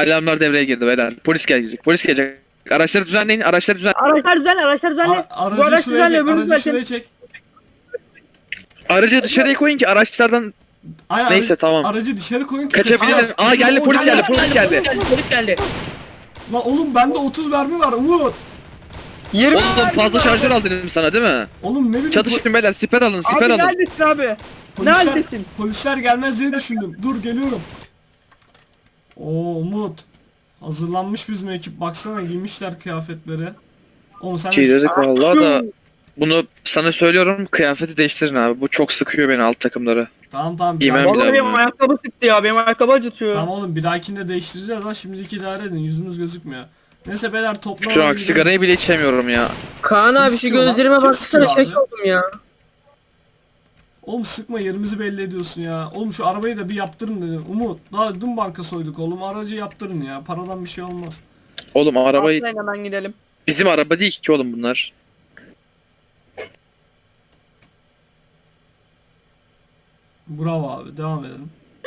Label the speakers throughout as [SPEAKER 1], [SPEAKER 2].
[SPEAKER 1] Alarmlar devreye girdi beyler. Polis gelecek. Polis gelecek. Araçları düzenleyin. Araçları düzen.
[SPEAKER 2] Araçlar düzenle, araçlar düzenle. Bu araç düzenle, öbürünü
[SPEAKER 3] Aracı
[SPEAKER 2] düzenle.
[SPEAKER 3] şuraya çek.
[SPEAKER 1] Aracı dışarıya koyun ki araçlardan
[SPEAKER 3] Aynen,
[SPEAKER 1] neyse tamam.
[SPEAKER 3] Aracı dışarı koyun ki
[SPEAKER 1] Kaçabiliriz. Aa geldi polis geldi. Polis geldi.
[SPEAKER 4] Polis geldi.
[SPEAKER 3] Lan oğlum bende 30 mermi var Umut.
[SPEAKER 2] 20
[SPEAKER 1] Oğlum fazla şarjör al dedim sana değil mi?
[SPEAKER 3] Oğlum ne bileyim.
[SPEAKER 1] Çatışın beyler. Siper alın. Siper
[SPEAKER 2] Abi
[SPEAKER 1] alın.
[SPEAKER 2] neredesin abi? Ne
[SPEAKER 3] Polisler-
[SPEAKER 2] haldesin?
[SPEAKER 3] Polisler gelmez diye düşündüm. Dur geliyorum. Oo Umut. Hazırlanmış bizim ekip. Baksana giymişler kıyafetleri. Oğlum sen de
[SPEAKER 1] Şey dedik vallahi da
[SPEAKER 2] Şu-
[SPEAKER 1] bunu sana söylüyorum, kıyafeti değiştirin abi. Bu çok sıkıyor beni alt takımları.
[SPEAKER 3] Tamam.
[SPEAKER 1] Giymem
[SPEAKER 3] Tamam,
[SPEAKER 1] bir daha
[SPEAKER 2] Vallahi benim
[SPEAKER 1] bunu.
[SPEAKER 2] ayakkabı sıktı ya, benim ayakkabı acıtıyor.
[SPEAKER 3] tamam oğlum bir dahakinde değiştireceğiz lan. Şimdiki idare edin. Yüzümüz gözükmüyor. Neyse beyler toplam.
[SPEAKER 1] Şu an sigarayı bile içemiyorum ya.
[SPEAKER 5] Kaan abi şu
[SPEAKER 3] sıkıyor lan?
[SPEAKER 5] gözlerime
[SPEAKER 3] Kim
[SPEAKER 5] baksana,
[SPEAKER 3] sıkıyor
[SPEAKER 5] şaş
[SPEAKER 3] abi?
[SPEAKER 5] oldum ya.
[SPEAKER 3] Oğlum sıkma, yerimizi belli ediyorsun ya. Oğlum şu arabayı da bir yaptırın dedim. Umut daha dün banka soyduk oğlum. Aracı yaptırın ya. Paradan bir şey olmaz.
[SPEAKER 1] Oğlum arabayı
[SPEAKER 2] Atlayın hemen gidelim.
[SPEAKER 1] bizim araba değil ki oğlum bunlar.
[SPEAKER 3] Bravo abi, devam edelim.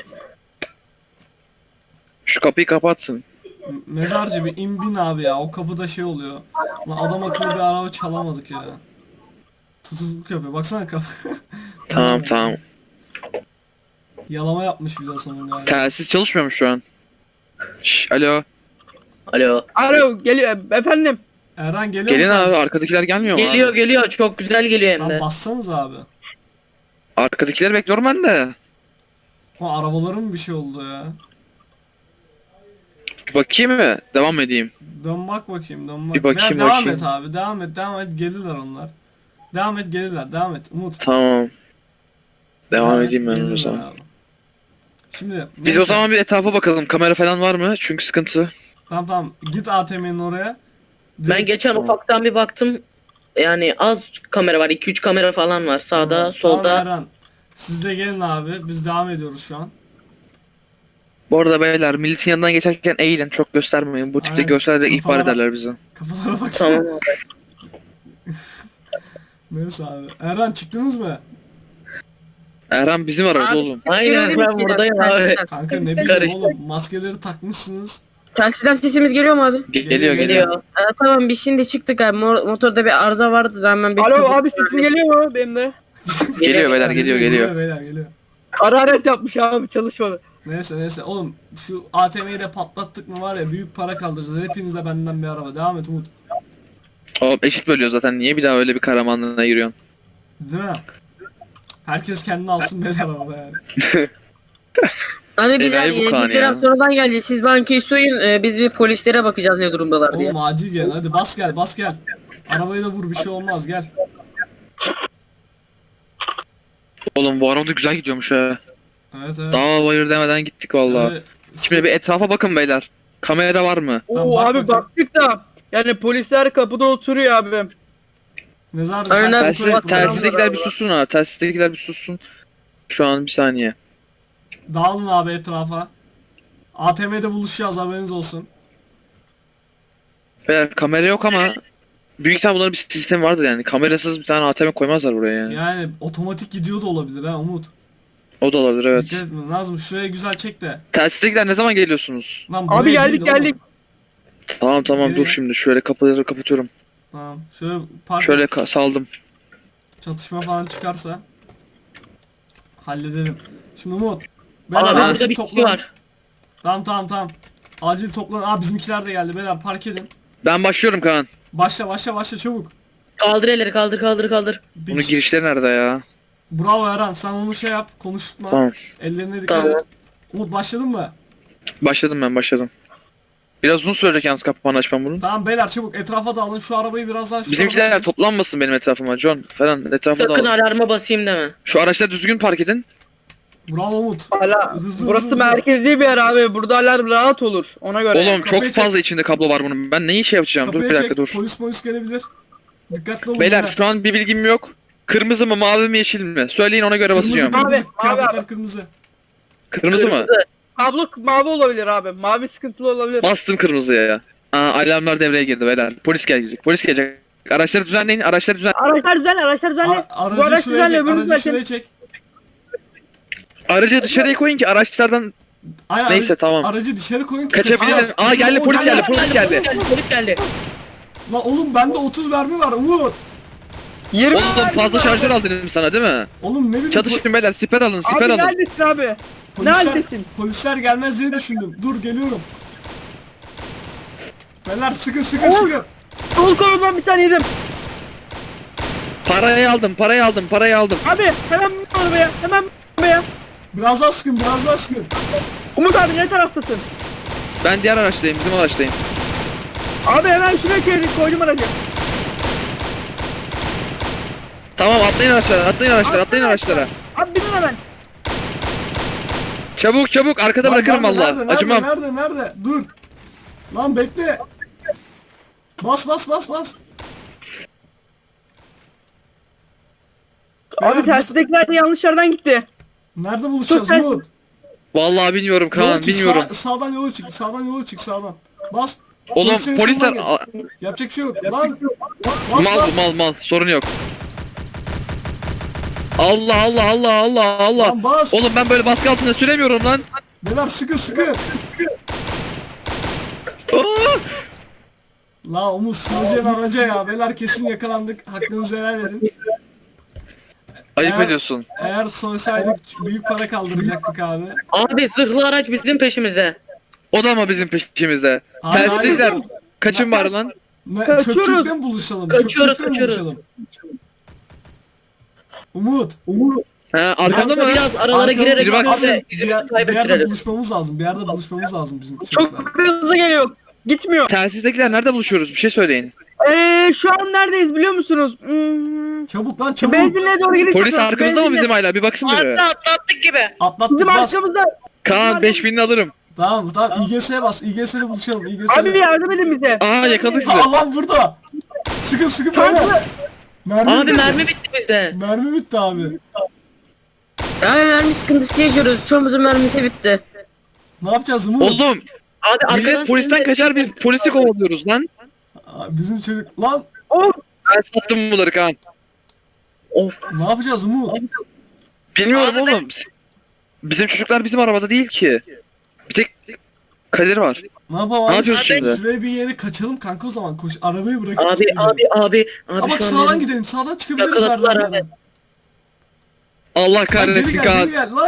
[SPEAKER 1] Şu kapıyı kapatsın.
[SPEAKER 3] Mezarcı bir bin abi ya. O kapıda şey oluyor. Lan adam akıllı bir araba çalamadık ya. Tutukluk yapıyor. Baksana kapı.
[SPEAKER 1] Tamam.
[SPEAKER 3] Yalama yapmış bir de sonunda.
[SPEAKER 1] Telsiz çalışmıyor mu şu an? Şş, alo.
[SPEAKER 4] Alo.
[SPEAKER 2] Alo, geliyor efendim.
[SPEAKER 3] Erhan geliyor
[SPEAKER 1] Gelin
[SPEAKER 3] mu
[SPEAKER 1] abi,
[SPEAKER 3] ters?
[SPEAKER 1] arkadakiler gelmiyor mu
[SPEAKER 4] Geliyor
[SPEAKER 1] abi?
[SPEAKER 4] geliyor. Çok güzel geliyor hem
[SPEAKER 3] Lan
[SPEAKER 4] de.
[SPEAKER 3] bassanız abi.
[SPEAKER 1] Arkadakileri bekliyorum ben de.
[SPEAKER 3] Ha arabaların mı bir şey oldu ya?
[SPEAKER 1] Bir bakayım mı? Devam edeyim.
[SPEAKER 3] Dön bak bakayım, dön bak.
[SPEAKER 1] Bir bakayım,
[SPEAKER 3] Veya devam
[SPEAKER 1] bakayım.
[SPEAKER 3] et abi, devam et gelirler onlar. Devam et gelirler, devam et Umut.
[SPEAKER 1] Tamam. Devam
[SPEAKER 3] et,
[SPEAKER 1] edeyim ben o
[SPEAKER 3] gelirler
[SPEAKER 1] zaman.
[SPEAKER 3] abi. Şimdi
[SPEAKER 1] Biz
[SPEAKER 3] neyse.
[SPEAKER 1] o zaman bir etrafa bakalım. Kamera falan var mı? Çünkü sıkıntı.
[SPEAKER 3] Tamam git ATM'nin oraya.
[SPEAKER 4] Ben geçen ufaktan bir baktım. Yani az kamera var. 2-3 kamera falan var. Sağda,
[SPEAKER 3] Tamam,
[SPEAKER 4] solda.
[SPEAKER 3] Erhan. Siz de gelin abi, biz devam ediyoruz şu an.
[SPEAKER 1] Bu arada beyler, milletin yanından geçerken eğilin. Çok göstermeyin. Bu tipte
[SPEAKER 3] Aynen.
[SPEAKER 1] göstererek ihbar
[SPEAKER 3] Kafalara-
[SPEAKER 1] ederler bizi.
[SPEAKER 3] Kafalara bak.
[SPEAKER 4] Tamam abi.
[SPEAKER 3] Neyse abi. Erhan çıktınız mı?
[SPEAKER 1] Erhan bizim arada
[SPEAKER 5] Abi,
[SPEAKER 1] oğlum.
[SPEAKER 4] Aynen ben buradayım abi.
[SPEAKER 3] Kanka ne bileyim
[SPEAKER 4] Karıştı.
[SPEAKER 3] oğlum, maskeleri takmışsınız.
[SPEAKER 5] Telsizden sesimiz geliyor mu abi?
[SPEAKER 1] Geliyor.
[SPEAKER 4] Geliyor.
[SPEAKER 5] Tamam biz şimdi çıktık abi. Motorda bir arıza vardı da hemen bir...
[SPEAKER 2] Alo abi, sesim geliyor mu benim de?
[SPEAKER 1] Geliyor beyler, geliyor.
[SPEAKER 3] Beyler geliyor.
[SPEAKER 2] Hararet yapmış abi, çalışmadı.
[SPEAKER 3] Neyse oğlum şu ATM'yi de patlattık mı var ya, büyük para kaldıracağız. Hepinize benden bir araba. Devam et Umut.
[SPEAKER 1] Oğlum eşit bölüyor zaten. Niye bir daha öyle bir kahramanlığına giriyorsun?
[SPEAKER 3] Değil mi? Herkes kendini alsın beyler araba yani.
[SPEAKER 5] Hani biz
[SPEAKER 1] Enayi bu
[SPEAKER 5] yani
[SPEAKER 1] Kaan
[SPEAKER 5] biz biraz
[SPEAKER 1] ya.
[SPEAKER 5] sonradan geleceğiz. Siz bankayı soyun. Biz bir polislere bakacağız ne durumdalar diye.
[SPEAKER 3] Oğlum acil gel, hadi bas gel. Arabayı da vur, bir şey olmaz, gel.
[SPEAKER 1] Oğlum bu araba da güzel gidiyormuş ha.
[SPEAKER 3] Evet.
[SPEAKER 1] Dağ bayır demeden gittik vallahi.
[SPEAKER 3] Şöyle-
[SPEAKER 1] Şimdi bir etrafa bakın beyler. Kamerada var mı?
[SPEAKER 3] Tamam,
[SPEAKER 2] Oo
[SPEAKER 3] bak
[SPEAKER 2] abi,
[SPEAKER 3] bakayım.
[SPEAKER 2] baktık da yani polisler kapıda oturuyor abi.
[SPEAKER 3] Mezarcı
[SPEAKER 5] Aynen,
[SPEAKER 3] sen
[SPEAKER 1] Telsiz,
[SPEAKER 3] kontrol et buraları.
[SPEAKER 1] telsizdekiler bir sussun ha. Telsizdekiler bir sussun. Şu an bir saniye.
[SPEAKER 3] Dağılın abi etrafa. ATM'de buluşacağız, haberiniz olsun.
[SPEAKER 1] Beyler kamera yok ama büyük ihtimal bunların bir sistemi vardır yani. Kamerasız bir tane ATM koymazlar buraya yani.
[SPEAKER 3] Yani otomatik gidiyor da olabilir ha Umut.
[SPEAKER 1] O da olabilir, evet.
[SPEAKER 3] Dikkat etme Nazım, şuraya güzel çek de.
[SPEAKER 1] Telsizdekiler ne zaman geliyorsunuz?
[SPEAKER 3] Lan
[SPEAKER 2] Abi
[SPEAKER 3] buraya
[SPEAKER 2] geldik
[SPEAKER 3] değil oğlum.
[SPEAKER 2] geldik.
[SPEAKER 1] Tamam
[SPEAKER 3] Nereye?
[SPEAKER 1] dur şimdi. Şöyle kapıları kapatıyorum.
[SPEAKER 3] Tamam. Şöyle park
[SPEAKER 1] Şöyle saldım.
[SPEAKER 3] çatışma falan çıkarsa halledelim. Şimdi Umut.
[SPEAKER 4] Abi
[SPEAKER 3] acil
[SPEAKER 4] burada bir kişi
[SPEAKER 3] toplan.
[SPEAKER 4] var.
[SPEAKER 3] Tamam. Acil toplan. Aa bizimkiler de geldi. Beyler park edin.
[SPEAKER 1] Ben başlıyorum Kaan.
[SPEAKER 3] Başla çabuk.
[SPEAKER 4] Kaldır elleri, kaldır.
[SPEAKER 3] Bir
[SPEAKER 1] Bunun
[SPEAKER 3] kişi-
[SPEAKER 1] girişleri nerede ya?
[SPEAKER 3] Bravo Eren, sen onu şey yap, konuşma.
[SPEAKER 1] Tamam.
[SPEAKER 3] Ellerine dikkat
[SPEAKER 4] Tamam.
[SPEAKER 3] et. Umut başladın mı?
[SPEAKER 1] Başladım. Biraz uzun sürecek yalnız kapağını açmam bunun.
[SPEAKER 3] Tamam beyler çabuk etrafa dağılın, şu arabayı biraz daha şu
[SPEAKER 1] Bizimkiler
[SPEAKER 3] tarafa-
[SPEAKER 1] toplanmasın benim etrafıma. John falan etrafa
[SPEAKER 4] Sakın
[SPEAKER 1] da.
[SPEAKER 4] alarma basayım deme.
[SPEAKER 1] Şu araçları düzgün park edin.
[SPEAKER 3] Bravo Umut.
[SPEAKER 2] Hala
[SPEAKER 3] Hızlı,
[SPEAKER 2] burası
[SPEAKER 3] hızlı.
[SPEAKER 2] merkezi bir yer abi. Burada alarm rahat olur. Ona göre.
[SPEAKER 1] Oğlum çok
[SPEAKER 3] kapıyı çek.
[SPEAKER 1] fazla içinde kablo var bunun. Ben neyi şey yapacağım? Dur
[SPEAKER 3] Kapıyı
[SPEAKER 1] bir dakika
[SPEAKER 3] çek,
[SPEAKER 1] dur.
[SPEAKER 3] Polis gelebilir. Dikkatli olun.
[SPEAKER 1] Beyler şu an bir bilgim yok. Kırmızı mı mavi mi yeşil mi? Söyleyin ona göre basacağım.
[SPEAKER 2] Mavi,
[SPEAKER 3] Kıyafetler
[SPEAKER 2] abi.
[SPEAKER 3] kırmızı.
[SPEAKER 1] Kırmızı mı?
[SPEAKER 2] Kablo mavi olabilir abi. Mavi sıkıntılı olabilir.
[SPEAKER 1] Bastım kırmızıya ya. Aa, alarmlar devreye girdi beyler. Polis gelecek. Polis gelecek. Araçları düzenleyin. Araçları düzen.
[SPEAKER 2] Araçlar düzenle, araçlar düzenle.
[SPEAKER 3] Aracı
[SPEAKER 2] Bu araç
[SPEAKER 3] şuraya
[SPEAKER 2] düzenle,
[SPEAKER 3] çek,
[SPEAKER 2] öbürünü
[SPEAKER 3] aracı
[SPEAKER 2] düzenle.
[SPEAKER 3] şuraya çek.
[SPEAKER 1] Aracı dışarıya koyun ki araçlardan
[SPEAKER 3] Ay,
[SPEAKER 1] Neyse, tamam.
[SPEAKER 3] Aracı dışarı koyun ki
[SPEAKER 1] Kaçabiliriz. Aa, geldi, polis geldi, polis geldi.
[SPEAKER 4] Polis geldi.
[SPEAKER 3] Lan oğlum bende 30 mermi var Umut.
[SPEAKER 2] 20
[SPEAKER 1] Oğlum fazla şarjör al dedim sana değil mi?
[SPEAKER 3] Oğlum ne bileyim.
[SPEAKER 1] Çatışın beyler, siper alın, siper
[SPEAKER 2] Abi
[SPEAKER 1] alın.
[SPEAKER 2] neredesin abi? Neredesin?
[SPEAKER 3] Polisler gelmez diye düşündüm. Dur geliyorum. Beyler sıkın sıkın
[SPEAKER 2] Oğlum.
[SPEAKER 3] sıkın.
[SPEAKER 2] Sol kolumdan bir tane yedim.
[SPEAKER 1] Parayı aldım, parayı aldım, parayı aldım.
[SPEAKER 2] Abi hemen bin arabaya. Hemen bin arabaya.
[SPEAKER 3] Biraz daha sıkın biraz daha sıkın.
[SPEAKER 2] Umut abi ne taraftasın?
[SPEAKER 1] Ben diğer araçtayım, bizim araçtayım.
[SPEAKER 2] Abi hemen şuraya koydum aracı.
[SPEAKER 1] Tamam, atlayın araçlara, atlayın araçlara, atlayın araçlara.
[SPEAKER 2] Abi binin hemen.
[SPEAKER 1] Çabuk çabuk, arkada
[SPEAKER 3] Lan
[SPEAKER 1] bırakırım
[SPEAKER 3] nerede,
[SPEAKER 1] valla.
[SPEAKER 3] nerede,
[SPEAKER 1] Acımam.
[SPEAKER 3] Nerede? Dur. Lan bekle. Bas.
[SPEAKER 2] Abi
[SPEAKER 3] Beyler,
[SPEAKER 2] tersidekiler yanlış yerden gitti.
[SPEAKER 3] nerede buluşacağız
[SPEAKER 2] Çok ters.
[SPEAKER 3] Umut?
[SPEAKER 1] Vallahi bilmiyorum
[SPEAKER 3] Yola
[SPEAKER 1] Kaan,
[SPEAKER 3] çık,
[SPEAKER 1] bilmiyorum.
[SPEAKER 3] sağdan yola çık, sağdan. Bas.
[SPEAKER 1] Oğlum
[SPEAKER 3] Polislerin
[SPEAKER 1] polisler...
[SPEAKER 3] solundan geç. Yapacak bir şey yok. Lan. Bas
[SPEAKER 1] Mal
[SPEAKER 3] bas.
[SPEAKER 1] mal, sorun yok. Allah.
[SPEAKER 3] Lan bas.
[SPEAKER 1] Oğlum ben böyle baskı altında süremiyorum lan.
[SPEAKER 3] Beyler sıkı.
[SPEAKER 1] Aa!
[SPEAKER 3] La Umut sığacaksın araca ya. Beyler kesin yakalandık. Hakkınızı helal edin.
[SPEAKER 1] Ayıp
[SPEAKER 3] Eğer-
[SPEAKER 1] ediyorsun.
[SPEAKER 3] Eğer soysaydık büyük para kaldıracaktık abi.
[SPEAKER 4] Abi zırhlı araç bizim peşimizde.
[SPEAKER 1] O da mı bizim peşimizde?
[SPEAKER 3] Hayır,
[SPEAKER 1] Telsizdekiler
[SPEAKER 3] hayır.
[SPEAKER 1] kaçın var lan?
[SPEAKER 2] Kaçıyoruz.
[SPEAKER 3] Çöpçükte mi buluşalım?
[SPEAKER 4] Kaçıyoruz.
[SPEAKER 3] Umut.
[SPEAKER 1] Ha, arkamda mı?
[SPEAKER 4] Biraz aralara
[SPEAKER 3] Arkamda-
[SPEAKER 4] girerek
[SPEAKER 1] Biri bak-
[SPEAKER 4] bize
[SPEAKER 3] bir, yer-
[SPEAKER 4] izimizi
[SPEAKER 3] bir yerde
[SPEAKER 4] kaybettirelim.
[SPEAKER 3] buluşmamız lazım bizim çocuklar.
[SPEAKER 2] Çok hızlı geliyor. Gitmiyor.
[SPEAKER 1] Telsizdekiler nerede buluşuyoruz? Bir şey söyleyin.
[SPEAKER 2] Şu an neredeyiz biliyor musunuz?
[SPEAKER 3] Çabuk lan çabuk.
[SPEAKER 2] Benzinliğe doğru gidip
[SPEAKER 1] Polis
[SPEAKER 2] çıkıyoruz.
[SPEAKER 1] arkamızda mı
[SPEAKER 2] Benzinliğe.
[SPEAKER 1] bizim hala? Bir baksın biri.
[SPEAKER 5] Atlattık gibi.
[SPEAKER 3] Atlattık
[SPEAKER 2] Bizim
[SPEAKER 3] bas.
[SPEAKER 2] arkamızda.
[SPEAKER 1] Kaan 5000'ini alırım.
[SPEAKER 3] Tamam İGS'ye bas. İGS'yle buluşalım.
[SPEAKER 2] Abi bir yardım edin bize.
[SPEAKER 1] Aa, yakaladık sizi.
[SPEAKER 3] Aa lan burada. Sıkın beyler.
[SPEAKER 2] Tankı.
[SPEAKER 4] Abi
[SPEAKER 3] bitti.
[SPEAKER 4] mermi bitti bizde.
[SPEAKER 3] Mermi bitti abi.
[SPEAKER 5] Abi mermi sıkıntısı yaşıyoruz. Çoğumuzun mermisi bitti.
[SPEAKER 3] Ne yapacağız Umut?
[SPEAKER 1] Oğlum
[SPEAKER 4] Abi arkadan
[SPEAKER 1] millet polisten
[SPEAKER 4] sizin de-
[SPEAKER 1] kaçar, biz polisi kovalıyoruz lan.
[SPEAKER 3] Aa, bizim çocuk. Lan
[SPEAKER 2] Of.
[SPEAKER 1] Ben sattım bunları Kaan.
[SPEAKER 4] Of.
[SPEAKER 3] ne yapacağız Umut?
[SPEAKER 1] Bilmiyorum oğlum. Bizim çocuklar bizim arabada değil ki. Bir tek Kadir var.
[SPEAKER 3] Ne yapalım?
[SPEAKER 1] Ne yapıyoruz şimdi?
[SPEAKER 3] Şuraya bir yere kaçalım kanka o zaman. Koş arabayı bırakıp
[SPEAKER 4] Abi
[SPEAKER 3] gidelim. Ama
[SPEAKER 4] şu an
[SPEAKER 3] sağdan
[SPEAKER 4] bizim-
[SPEAKER 3] gidelim. Sağdan çıkabiliriz
[SPEAKER 4] Yakaladılar
[SPEAKER 3] merdivenlerden.
[SPEAKER 1] Allah
[SPEAKER 3] Lan
[SPEAKER 1] kahretsin
[SPEAKER 3] geri
[SPEAKER 1] Kaan.
[SPEAKER 3] gel lan.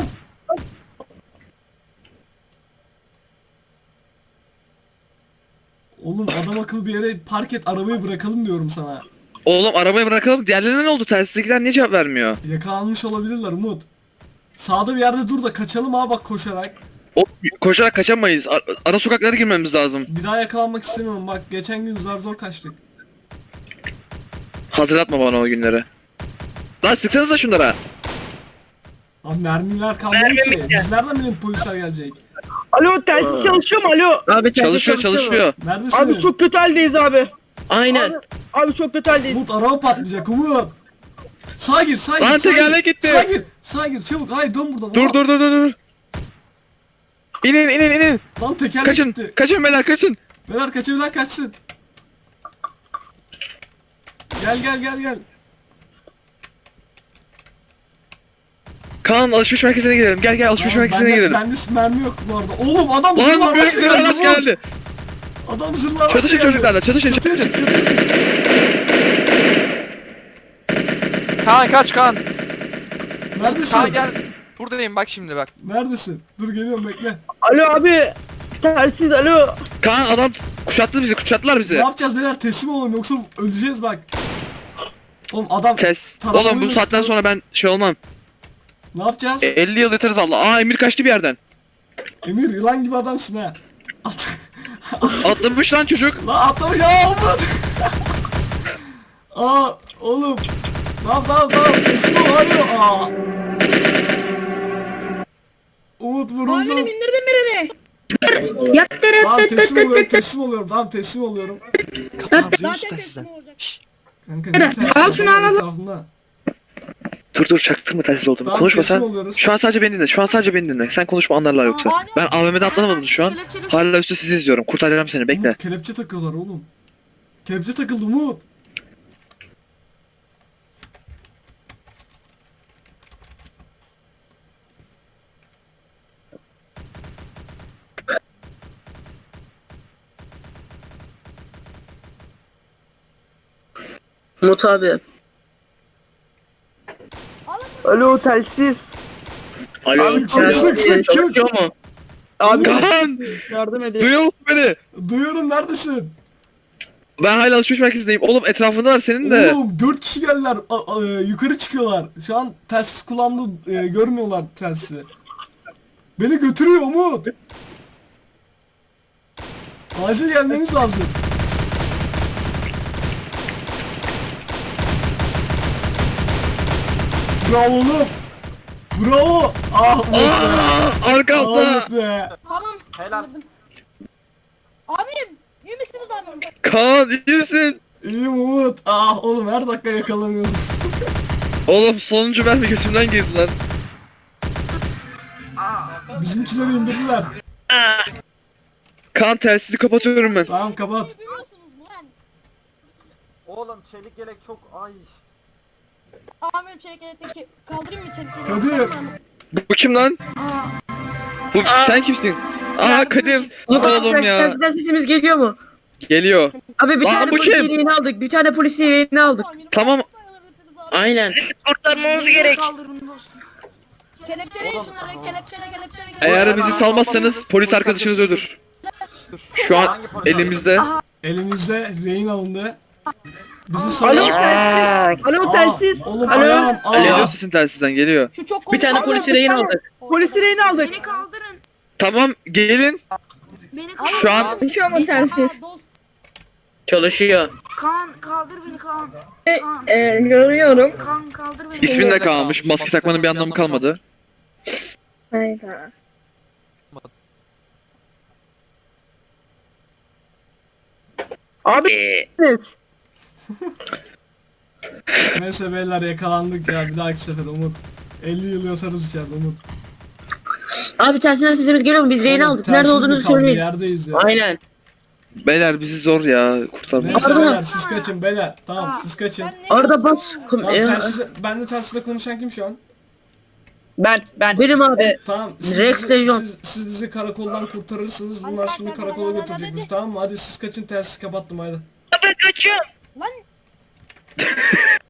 [SPEAKER 3] Oğlum adam akıllı bir yere park et arabayı bırakalım diyorum sana.
[SPEAKER 1] Oğlum arabayı bırakalım. Diğerlerine ne oldu? Telsizdekiler niye cevap vermiyor?
[SPEAKER 3] Yakalanmış olabilirler Umut. Sağda bir yerde dur da kaçalım ha bak koşarak.
[SPEAKER 1] O, koşarak kaçamayız. Ara sokaklara girmemiz lazım.
[SPEAKER 3] Bir daha yakalanmak istemiyorum bak geçen gün zor kaçtık.
[SPEAKER 1] Hatırlatma bana o günleri. Lan sıksanıza şunlara.
[SPEAKER 3] Abi mermiler kalmadı ki. Biz nereden bilelim polisler gelecek?
[SPEAKER 2] Alo telsiz çalışıyor mu? Alo.
[SPEAKER 5] Abi telsiz
[SPEAKER 1] Çalışıyor.
[SPEAKER 3] Neredesiniz?
[SPEAKER 2] Abi çok kötü haldeyiz abi.
[SPEAKER 4] Aynen.
[SPEAKER 2] Abi çok kötü haldeyiz.
[SPEAKER 3] Umut araba patlayacak Umut. Sağa gir.
[SPEAKER 1] Lan
[SPEAKER 3] sağa gir.
[SPEAKER 1] tekerlek gitti.
[SPEAKER 3] Sağa gir çabuk. Hayır dön buradan.
[SPEAKER 1] Dur
[SPEAKER 3] Aa,
[SPEAKER 1] dur. İnin.
[SPEAKER 3] Lan tekerlek
[SPEAKER 1] Kaçın.
[SPEAKER 3] gitti.
[SPEAKER 1] Kaçın beyler, kaçın.
[SPEAKER 3] Beyler kaçabilen kaçsın. Gel.
[SPEAKER 1] Kaan alışveriş merkezine girelim. Gel alışveriş merkezine girelim.
[SPEAKER 3] Bende mermi yok bu arada. Oğlum adam
[SPEAKER 1] Lan
[SPEAKER 3] zırhlı
[SPEAKER 1] büyük
[SPEAKER 3] araç
[SPEAKER 1] zırhlı araç
[SPEAKER 3] Umut.
[SPEAKER 1] geldi.
[SPEAKER 3] Adam zırhlı araç
[SPEAKER 1] Çatışın
[SPEAKER 3] geldi.
[SPEAKER 1] çocuklarla, çatışın.
[SPEAKER 3] Çatıya çık.
[SPEAKER 6] Kaan kaç Kaan.
[SPEAKER 3] Neredesin?
[SPEAKER 6] Kaan gel. Buradayım bak şimdi bak.
[SPEAKER 3] Neredesin? Dur geliyorum bekle.
[SPEAKER 2] Alo abi. Telsiz alo.
[SPEAKER 1] Kaan adam kuşattılar
[SPEAKER 3] Ne
[SPEAKER 1] bizi.
[SPEAKER 3] yapacağız beyler teslim olalım yoksa öleceğiz bak. Oğlum adam
[SPEAKER 1] Ses.
[SPEAKER 3] Taramalı
[SPEAKER 1] Oğlum bu saatten
[SPEAKER 3] sıkı-
[SPEAKER 1] sonra ben şey olmam.
[SPEAKER 3] ne yapacağız?
[SPEAKER 1] 50 yıl yatarız valla. Aa, Emir kaçtı bir yerden.
[SPEAKER 3] Emir yılan gibi adamsın ha.
[SPEAKER 1] Atlamış lan çocuk.
[SPEAKER 3] Lan atlamış aa Umut. Aa oğlum. Tamam teslim ol hadi. Aa. Umut vuruldu. Tamam teslim oluyorum. Tamam teslim oluyorum.
[SPEAKER 6] Tamam duyuyoruz da sizden.
[SPEAKER 3] Kanka ne tersi adamın etrafında.
[SPEAKER 1] Dur çaktırma telsiz olduğumu.
[SPEAKER 3] Tamam,
[SPEAKER 1] Konuşma
[SPEAKER 3] teslim
[SPEAKER 1] sen.
[SPEAKER 3] oluyoruz.
[SPEAKER 1] Şu an sadece beni dinle. Sen konuşma, anlarlar yoksa. Ben AVM'de atlanamadım şu an. Hala üstte sizi izliyorum. Kurtaracağım seni, bekle.
[SPEAKER 3] Umut kelepçe takıyorlar oğlum. Kelepçe takıldı Umut.
[SPEAKER 5] Umut abi.
[SPEAKER 2] Alo telsiz.
[SPEAKER 4] Alo.
[SPEAKER 3] Sık, sık, sık, sık,
[SPEAKER 4] Çalışıyor mu?
[SPEAKER 2] Abi
[SPEAKER 1] Kaan!
[SPEAKER 2] yardım edin.
[SPEAKER 1] Duyuyor musun beni?
[SPEAKER 3] Duyuyorum, neredesin?
[SPEAKER 1] Ben hala alışveriş merkezindeyim. Oğlum etrafındalar senin de.
[SPEAKER 3] Oğlum 4 kişi geldiler. Yukarı çıkıyorlar. Şu an telsiz kulağımda görmüyorlar telsizi. Beni götürüyor Umut. Acil gelmeniz lazım. Bravo oğlum. Bravo. Ah Umut be. Ah
[SPEAKER 1] Arkamda.
[SPEAKER 3] Umut be.
[SPEAKER 7] Tamam. Helal. Abi iyi misiniz abi?
[SPEAKER 1] Kaan iyi misin?
[SPEAKER 3] İyiyim Umut. Ah oğlum her dakika yakalanıyoruz.
[SPEAKER 1] Oğlum sonuncu mermi gözümden girdi lan.
[SPEAKER 3] Bizimkileri indirdiler.
[SPEAKER 1] Kaan telsizi kapatıyorum ben.
[SPEAKER 3] Tamam kapat.
[SPEAKER 7] Biliyorsunuz mu lan?
[SPEAKER 8] Oğlum çelik yelek çok ay.
[SPEAKER 7] Amirim çelik elektrik kaldırayım mı çelik yeleği?
[SPEAKER 3] Kadir.
[SPEAKER 1] Bu kim lan? Bu sen kimsin? Aa Kadir.
[SPEAKER 5] Umut abi
[SPEAKER 1] Oğlum ya.
[SPEAKER 5] telsizden sesimiz geliyor mu?
[SPEAKER 1] Geliyor.
[SPEAKER 5] Abi bir
[SPEAKER 1] Aa,
[SPEAKER 5] tane
[SPEAKER 1] bu
[SPEAKER 5] polis
[SPEAKER 1] kim?
[SPEAKER 5] yeleğini aldık. Bir tane polis yeleğini aldık.
[SPEAKER 1] Tamam.
[SPEAKER 4] Aynen.
[SPEAKER 5] Kurtarmamız gerek.
[SPEAKER 7] Kelepçeleyin şunları kelepçele.
[SPEAKER 1] Eğer bizi salmazsanız polis arkadaşınız ölür. Şu an elimizde.
[SPEAKER 3] Elimizde rehin alındı. Bizi
[SPEAKER 2] Alo
[SPEAKER 3] salın.
[SPEAKER 2] telsiz. Alo telsiz.
[SPEAKER 3] Oğlum
[SPEAKER 2] Alo.
[SPEAKER 3] ayağım.
[SPEAKER 1] Geliyor sesin telsizden geliyor.
[SPEAKER 7] Şu çok
[SPEAKER 4] Bir tane polisi rehin aldık.
[SPEAKER 2] Polisi rehin aldık.
[SPEAKER 7] Beni kaldırın.
[SPEAKER 1] Tamam gelin.
[SPEAKER 7] Beni kaldırın.
[SPEAKER 1] Şu an
[SPEAKER 7] Çalışıyor mu telsiz?
[SPEAKER 4] Çalışıyor.
[SPEAKER 7] Kaan kaldır beni Kaan.
[SPEAKER 5] Görüyorum.
[SPEAKER 7] Kaan kaldır beni.
[SPEAKER 1] ismin de kalmış. Maske takmanın bir anlamı kalmadı.
[SPEAKER 5] Hayda.
[SPEAKER 2] Abi evet.
[SPEAKER 3] Neyse beyler yakalandık ya, bir dahaki sefer Umut. 50 yıl yatarız içeride Umut.
[SPEAKER 5] Abi telsizden sesimiz geliyor mu? Biz rehin
[SPEAKER 3] Oğlum,
[SPEAKER 5] aldık. Nerede
[SPEAKER 3] telsiz
[SPEAKER 5] olduğunuzu
[SPEAKER 3] mi kaldı?
[SPEAKER 5] söyleyin.
[SPEAKER 3] Yerdeyiz ya.
[SPEAKER 4] Aynen.
[SPEAKER 1] Beyler bizi zor ya kurtarmak.
[SPEAKER 3] Neyse
[SPEAKER 5] Arda.
[SPEAKER 3] beyler siz kaçın beyler. Tamam siz kaçın.
[SPEAKER 5] Arada bas.
[SPEAKER 3] Tamam ben de telsizle konuşan kim şu an?
[SPEAKER 2] Ben.
[SPEAKER 5] Benim abi.
[SPEAKER 3] Tamam
[SPEAKER 5] Rex Lejon.
[SPEAKER 3] siz bizi karakoldan kurtarırsınız. Bunlar şimdi karakola götürecek bizi, tamam mı? Hadi siz kaçın, telsiz kapattım hadi.
[SPEAKER 7] Lan